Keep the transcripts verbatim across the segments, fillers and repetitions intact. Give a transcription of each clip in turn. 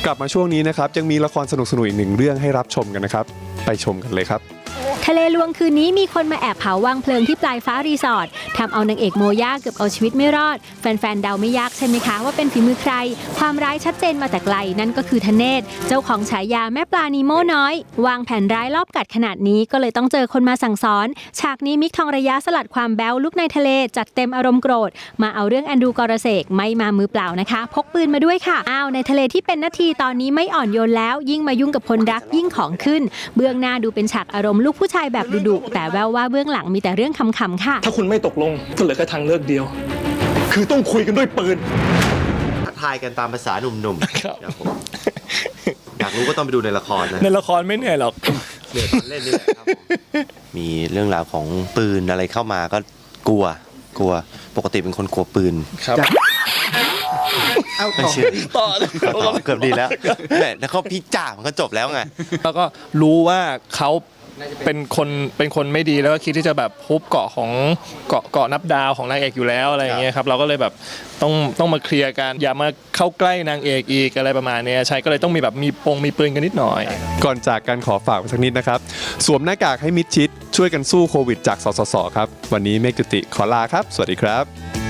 กลับมาช่วงนี้นะครับยังมีละครสนุกๆอีกหนึ่งเรื่องให้รับชมกันนะครับไปชมกันเลยครับทะเลลวงคืนนี้มีคนมาแอบเผาวางเพลิงที่ปลายฟ้ารีสอร์ททำเอานางเอกโมย่าเกือบเอาชีวิตไม่รอดแฟนๆเดาไม่ยากใช่ไหมคะว่าเป็นฝีมือใครความร้ายชัดเจนมาแต่ไกลนั่นก็คือธเนศเจ้าของฉายาแม่ปลานีโม่น้อยวางแผนร้ายรอบกัดขนาดนี้ก็เลยต้องเจอคนมาสั่งสอนฉากนี้มิกทองระยะสลัดความแบ๊วลุกในทะเลจัดเต็มอารมณ์โกรธมาเอาเรื่องแอนดรูกอรเสกไม่มามือเปล่านะคะพกปืนมาด้วยค่ะอ้าวในทะเลที่เป็นนาทีตอนนี้ไม่อ่อนโยนแล้วยิ่งมายุ่งกับคนรักยิ่งของขึ้นเบื้องหน้าดูเป็นฉากอารมณ์ลูกผู้ชายแบบดุๆแต่แววว่าเบื้องหลังมีแต่เรื่องขำๆค่ะถ้าคุณไม่ตกลงก็เหลือแค่ทางเลือกเดียวคือต้องคุยกันด้วยปืนทักทายกันตามภาษาหนุ่มๆครับผมอยากรู้ก็ต้องไปดูในละครนะในละครไม่เหนื่อยหรอกเหนื่อยตอนเล่นนี่แหละครับมีเรื่องราวของปืนอะไรเข้ามาก็กลัวกลัวปกติเป็นคนกลัวปืนครับเอาต่อต่อต่อเกือบดีแล้วแล้วเขาพี่จ่ามันก็จบแล้วไงแล้วก็รู้ว่าเขาเป็นคนเป็นคนไม่ดีแล้วก็คิดที่จะแบบฮุบเกาะของเกาะเกาะนับดาวของนางเอกอยู่แล้วอะไรอย่างเงี้ยครับเราก็เลยแบบต้องต้องมาเคลียร์กันอย่ามาเข้าใกล้นางเอกอีกอะไรประมาณนี้ใช่ก็เลยต้องมีแบบมีปงมีปืนกันนิดหน่อยก่อนจากกันขอฝากสักนิดนะครับสวมหน้ากากให้มิดชิดช่วยกันสู้โควิดจากสสสครับวันนี้เมฆจุติขอลาครับสวัสดีครับ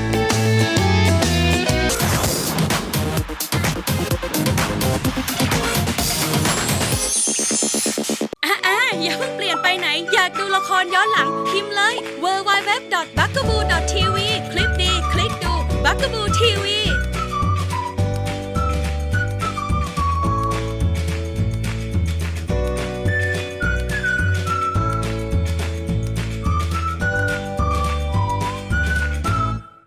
อย่าเพิ่งเปลี่ยนไปไหนอยากดูละครย้อนหลังพิมพ์เลย ดับเบิลยู ดับเบิลยู ดับเบิลยู ดอท บักกะบู ดอท ที วี คลิปดีคลิกดู บักกะบู ที วี